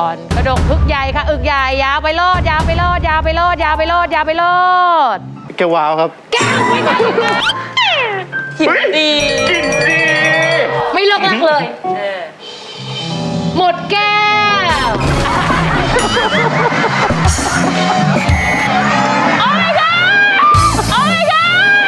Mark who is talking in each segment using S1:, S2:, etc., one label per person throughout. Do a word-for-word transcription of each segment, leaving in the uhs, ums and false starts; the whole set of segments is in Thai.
S1: อนกระดกพึกใหญ่ค่ะอึกใหญ่ยาวไปโลดยาวไปโลดยาวไปโลดยาวไปโลดยาวไปโลด
S2: แก้ววาวครับ
S1: แก้วไม่ได้หินดีไม่เลิกลักเลยหมดแก้วโอ้ my god โอ้ my god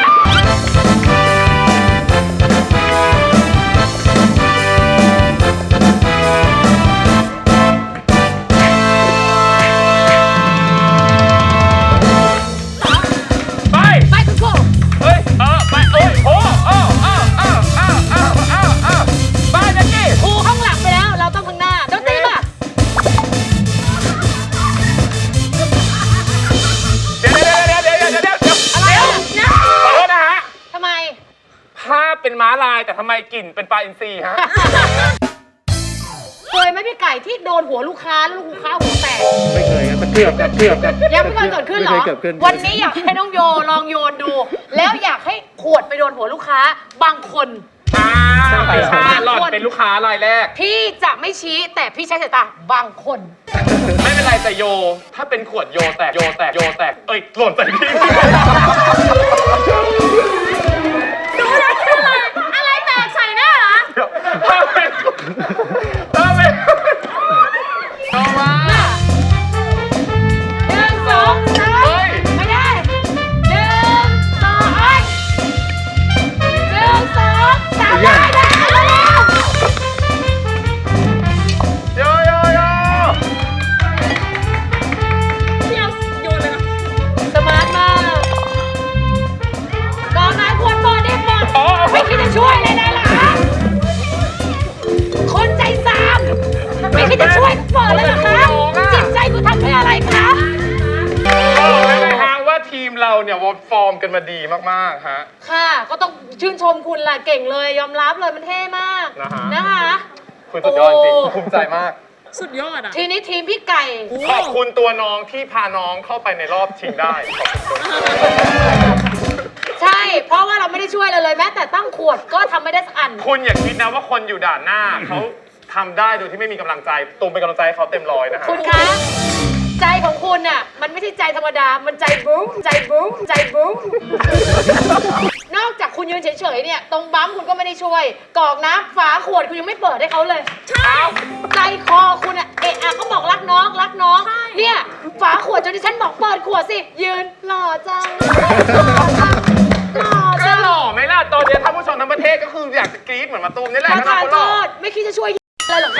S3: ไป
S1: ไปคุณครู
S3: เฮ้ยเออไปเอ้ยโอ้เออเออเออเออเออเออเออไปแจ็คกี้
S1: ครูข้างหลังไปแล้วเราต้องข้างหน้าดนตรีป่ะ
S3: เดี๋ยวเดี๋ยวเดี๋ยวเดี๋ยวเดี๋ยวเดี๋ยวเดี๋ยว
S1: อะไรอ่ะ
S3: ขอโทษนะฮะ
S1: ทำไม
S3: ภาพเป็นม้าลายแต่ทำไมกลิ่นเป็นปลาอินทรีฮะ
S1: เคยไหมพี่ไก่ที่โดนหัวลูกค้าแล้วลูกค้าหัวแตก
S2: ไม่เคยครับแต่เกือบครับเกือบครับ
S1: ยังไม่เคยเกิดขึ้นเหรอ
S2: ไม่เคยเกิดขึ้น
S1: วันนี้อยากให้น้องโยลองโยนดู แล้วอยากให้ขวดไปโดนหัวลูกค้าบางคน
S3: อ้าว
S1: ใช่
S3: หล่อนเป็นลูกค้ารายแรก
S1: พี่จะไม่ชี้แต่พี่ใช้สายตาบางคน
S3: ไม่เป็นไรแต่โย ถ้าเป็นขวดโยแตกโยแตกโยแตกเอ้ยหล่นใส่พี่
S1: ดูนะคืออะไรอะไรแตกใส่หน้าเหรอ
S3: ถ้าเป็นถ้าเป็นต่อมา
S1: หนึ่งสองสาม
S3: เฮ้ย
S1: ไม่ได้หนึ่งสองเอ้ยหนึ่งสองสามได้ได้แล้ว
S3: โยโยโย
S1: พี่เอาโยนเลยนะสมาร์ทมากกองน้ำควรเปิดได้หมด
S3: อ๋อ
S1: ไม่คิดจะช่วยเลยนะหรอคนใจซามไม่คิดจะช่วยเปิดเลยเหรอคะจิตใจคุณทำด้วยอะไรคะ
S3: บอกเลยนะฮะว่าทีมเราเนี่ยวอร์ฟอร์มกันมาดีมากๆฮะ
S1: ค่ะก็ต้องชื่นชมคุณแหละเก่งเลยยอมรับเลยมันเท่มาก
S3: นะฮะ
S1: นะคะ
S3: คุณสุดยอดจริงภูมิใจมาก
S4: สุดยอดอ่ะ
S1: ทีนี้ทีมพี่ไก่
S3: ขอบคุณตัวน้องที่พาน้องเข้าไปในรอบชิงได้ ขอบคุณ
S1: ใช่ เพราะว่าเราไม่ได้ช่วยเลยเลยแม้แต่ตั้งขวดก็ทำไม่ได้สักอัน
S3: คุณอย่าคิดนะว่าคนอยู่ด่านหน้าเขาทำได้โดยที่ไม่มีกำลังใจตูมเป็นกำลังใจให้เขาเต็มร้อยนะฮะ
S1: คุณคะใจของคุณน่ะมันไม่ใช่ใจธรรมดา มันใจบุ้งใจบุ้งใจบุ้งนอกจากคุณยืนเฉยๆเนี่ยตรงบั๊มคุณก็ไม่ได้ช่วยกรอกน้ำฝาขวดคุณยังไม่เปิดให้เขาเลยใช่ใจคอคุณอะเอะอะเขาบอกรักน้องรักน้องเนี่ยฝาขวดจนที่ฉันบอกเปิดขวดสิยืนหล่อจังหล่อ
S3: ก็
S1: จัง
S3: หล่อไหมล่ะตอนนี้ท่านผู้ชมทั้งประเทศก็คืออยากจะกรี๊ดเหมือนมาตูมนี่แหละ
S1: ขอ
S3: ถ้า
S1: ทาน
S3: เขาห
S1: โท
S3: ล่อ
S1: ษไม่คิดจะช่วยอะไรหรอกค่ะ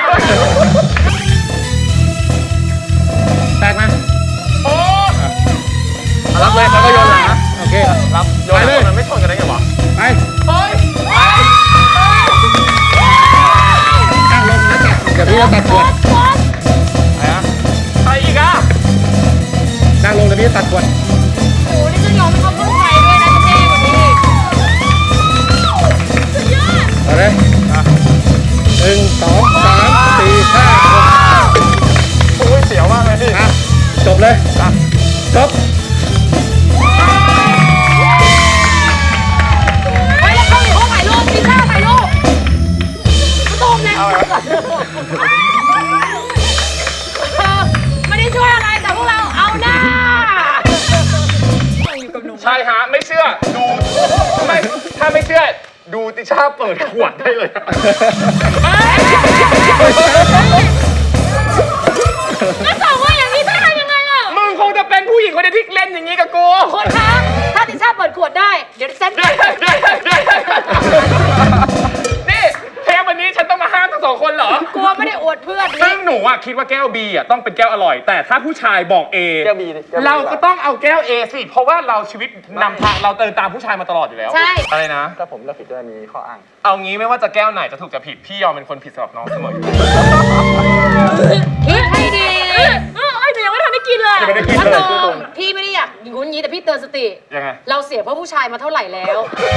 S2: แตกไหม
S3: โอ้
S2: รับเลยแล้วก็โยนหลังนะโอเค
S3: รับโยน
S2: ไปเลย
S3: มันไม่ชนกันได้ไงวะ
S2: ไป
S3: เฮ้ย
S2: ตั้งลงนะจ๊ะเดี๋ยวพี่จะตัดขวด
S3: อะไรอะไปอีกอ่ะ
S2: ตั้งลงเดี๋ยวพี่จะตัดขวด
S1: โอ้โหนี่จะยอมให้เขาเข้าใจด้วยนะเท่กว่านี้อีกสุดยอด
S2: เอาเลยอ่ะหนึ่งสองสามสี่ห้าหก
S3: โอ้ยเสียวมากเลยพี่
S2: อ่ะจบเลยอ่ะจบ
S1: ไปแล้วเขาอีกเขาถ่ายรูปมีท่าถ่ายรูปมาตูมเลย
S3: เอาละ
S1: เออไม่ได้ช่วยอะไรแต่พวกเราเอาหน้า
S3: ใช่ฮะ ไม่เชื่อ ดูไม่ถ้าไม่เชื่อ ดูติช่าเปิดขวดได้เลย
S1: ก็สองว่าอย่างนี้จะทำยังไงล่ะ
S3: มึงคงจะเป็นผู้หญิงคนเดียวที่เล่นอย่างนี้กับกู
S1: คนคะถ้าติช่าเปิดขวดได้ เดี๋ยวฉัน
S3: เดี๋ยวเดี๋ยวเดี๋ยวนี่เทปวันนี้ฉันต้องมาห้ามทั้งสองคนเหรอ
S1: กลัวไม่ได้อวดเพื่อน
S3: ซึ่งหนูอ่ะคิดว่าแก้ว B อ่ะต้องเป็นแก้วอร่อย แต่ถ้าผู้ชายบอก A
S2: แก้ว B
S3: เราก็ต้องเอาแก้ว A สิ เพราะว่าเราชีวิตนำทางเราเตินตามผู้ชายมาตลอดอยู่แล้ว
S1: ใช่
S3: อะไรนะ
S2: ถ้าผมเลือกผิดด้วยมีข้ออ้าง
S3: เอางี้ไม่ว่าจะแก้วไหนจะถูกจะผิด พี่ยอมเป็นคนผิดสำหรับน้องเสมออยู่
S1: คิดให้ดี
S4: เออเอ้ยหนูยังไม่ทันได้กินเลย
S3: ยังไม่ได้กิน
S1: พัด
S3: เล
S1: ล
S3: ย
S1: มพี่ไม่ได้อยากงุนงี้แต่พี่เตือนสติ
S3: ยังไง
S1: เราเสียเพราะผู้ชายมาเท่าไหร่แล้ว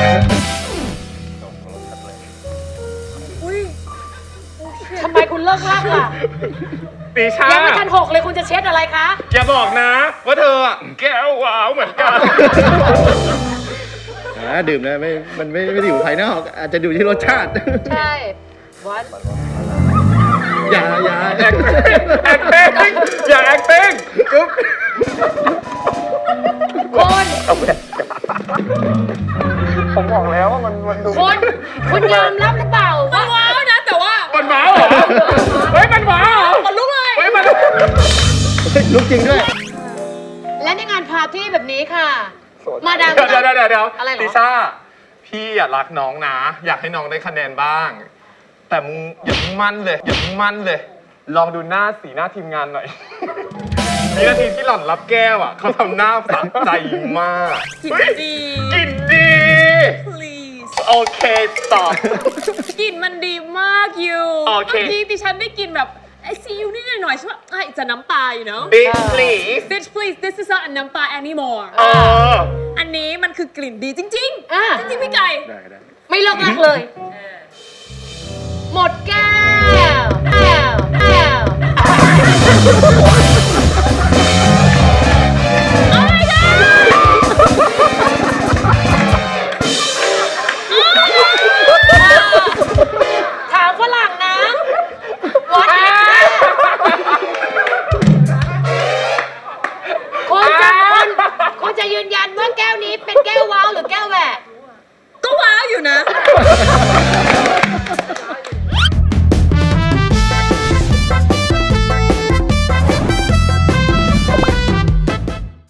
S1: ทำไมคุณเลิกลากล่ะ
S3: ตีชา
S1: ยังไม่ทันหกเลยคุณจะเช็ดอะไรคะ
S3: อย่าบอกนะ ว่าเธออะแก้ววาวเหมือนกัน
S2: อ่าดื่มนะไม่มันไม่ไม่ได้อยู่ภายนอกอาจจะอยู่ที่รสชาติ
S1: ใช่วัด
S2: อย่าอย่า
S3: แอคแอคเต้งอย่าแอคเต้งกึ๊บ
S1: คุณ
S3: ผมบอกแล้วว่ามันมันดู
S1: คุณคุณยอมรับหรือเปล่าว่า
S4: ว้าวนะแต่ว่า
S3: มันหมาเหรอเฮ้ยมันหมาเหรอ
S4: มันลุกเลย
S3: เฮ้ยมัน
S2: ลุกจริงด้วย
S1: และในงานปาร์ตี้แบบนี้ค่ะ มาดาม
S3: เดี๋ยวเดี๋ยวเดี๋ยวเดี๋ยว
S1: อะไรเหรอ
S3: ลิซ่าพี่อยากรักน้องนะ อยากให้น้องได้คะแนนบ้าง แต่มึงอย่ามึงมั่นเลย อย่ามึงมั่นเลย ลองดูหน้าสีหน้าทีมงานหน่อย วินาทีที่หล่อนรับแก้วอ่ะเขาทำหน้าสะใจมาก
S4: กินดี
S3: กินดี
S4: please
S3: โอเคตอบ
S4: กลิ่นมันดีมากอยู่
S3: โอเค
S4: เมื่อกี้ดิฉันได้กลินแบบไอซีอิ๊วนิดหน่อยๆใช่ไหมไอจะน้ำปลาอยู่เนาะ
S3: Big please
S4: bitch please this is not a น้ำปลา anymore
S3: เออ
S4: อันนี้มันคือกลิ่นดีจริง
S1: อ่ะ
S4: ๆ จริงๆพี่ไก่
S2: ได้ได้
S1: ไม่เลิกลักเลย หมดแก้วแก้วแก้ว ถามฝรั่งนะ What is that คุณจะคุณคุณจะยืนยันว่าแก้วนี้เป็นแก้วว้าวหรือแก้วแหวก
S4: ก็ว้าวอยู่นะ